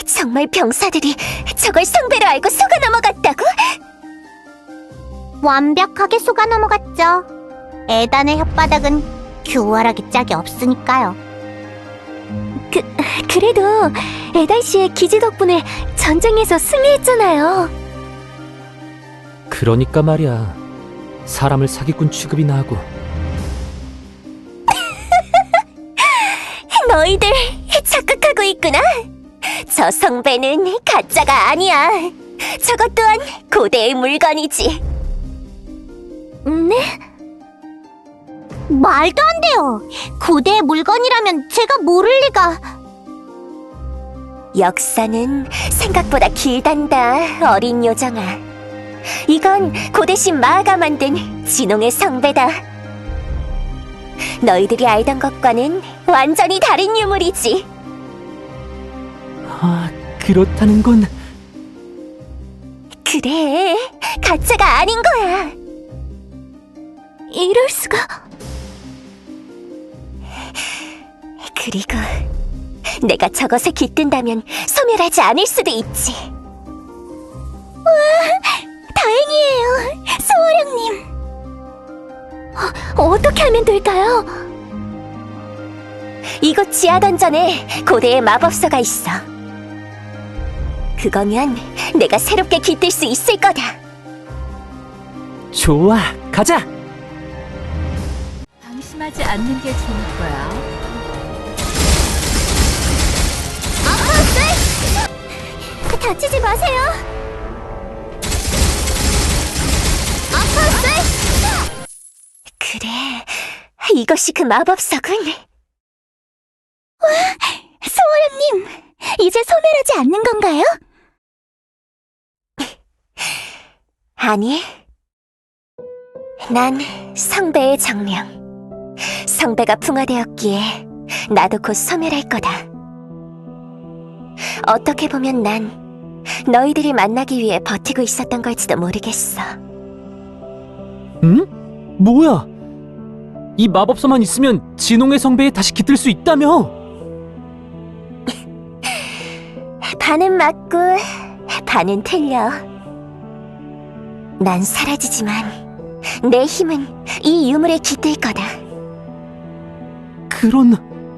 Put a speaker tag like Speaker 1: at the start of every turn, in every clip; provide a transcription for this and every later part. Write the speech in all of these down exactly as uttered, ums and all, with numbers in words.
Speaker 1: 정말 병사들이 저걸 성배로 알고 속아 넘어갔다고?
Speaker 2: 완벽하게 속아 넘어갔죠. 에단의 혓바닥은 교활하게 짝이 없으니까요.
Speaker 1: 그, 그래도 에단 씨의 기지 덕분에 전쟁에서 승리했잖아요.
Speaker 3: 그러니까 말이야. 사람을 사기꾼 취급이나 하고.
Speaker 1: 너희들 착각하고 있구나. 저 성배는 가짜가 아니야. 저것 또한 고대의 물건이지.
Speaker 2: 네? 말도 안 돼요. 고대의 물건이라면 제가 모를 리가.
Speaker 1: 역사는 생각보다 길단다, 어린 요정아. 이건 고대신 마아가 만든 진홍의 성배다. 너희들이 알던 것과는 완전히 다른 유물이지.
Speaker 3: 아, 그렇다는 건...
Speaker 1: 그래, 가짜가 아닌 거야. 이럴 수가... 그리고 내가 저것에 깃든다면 소멸하지 않을 수도 있지. 와, 다행이에요, 소호령님. 어, 어떻게 하면 될까요? 이곳 지하 던전에 고대의 마법서가 있어. 그거면 내가 새롭게 깃들 수 있을 거다.
Speaker 3: 좋아, 가자!
Speaker 4: 방심하지 않는 게 좋을 거야.
Speaker 1: 다치지 마세요. 아파스! 그래, 이것이 그 마법석은. 와, 소호령님, 이제 소멸하지 않는 건가요? 아니, 난 성배의 정령. 성배가 풍화되었기에 나도 곧 소멸할 거다. 어떻게 보면 난 너희들이 만나기 위해 버티고 있었던 걸지도 모르겠어.
Speaker 3: 응? 뭐야? 이 마법서만 있으면 진홍의 성배에 다시 깃들 수 있다며?
Speaker 1: 반은 맞고 반은 틀려. 난 사라지지만 내 힘은 이 유물에 깃들 거다.
Speaker 3: 그런...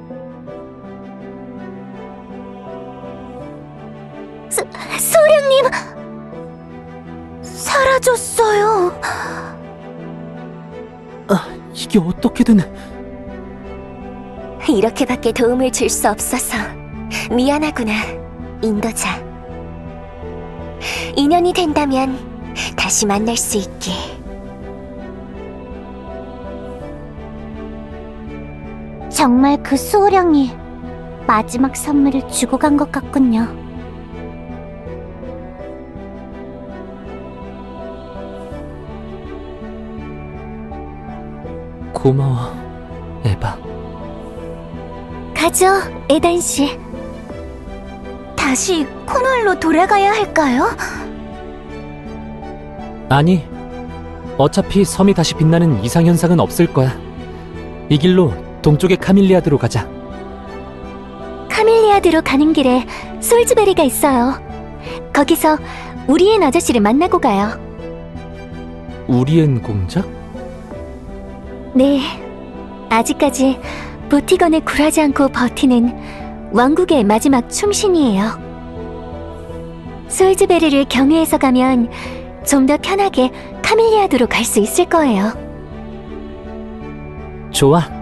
Speaker 1: 소, 소령님! 사라졌어요.
Speaker 3: 아, 이게 어떻게든...
Speaker 1: 이렇게밖에 도움을 줄 수 없어서 미안하구나, 인도자. 인연이 된다면 다시 만날 수 있게.
Speaker 2: 정말 그 수호령이 마지막 선물을 주고 간 것 같군요.
Speaker 3: 고마워, 에바.
Speaker 1: 가죠, 에단 씨. 다시 코널로 돌아가야 할까요?
Speaker 3: 아니, 어차피 섬이 다시 빛나는 이상현상은 없을 거야. 이 길로 동쪽의 카밀리아드로 가자.
Speaker 1: 카밀리아드로 가는 길에 솔즈베리가 있어요. 거기서 우리엔 아저씨를 만나고 가요.
Speaker 3: 우리엔 공작?
Speaker 1: 네, 아직까지 보티건에 굴하지 않고 버티는 왕국의 마지막 충신이에요. 솔즈베리를 경유해서 가면 좀 더 편하게 카밀리아드로 갈 수 있을 거예요.
Speaker 3: 좋아.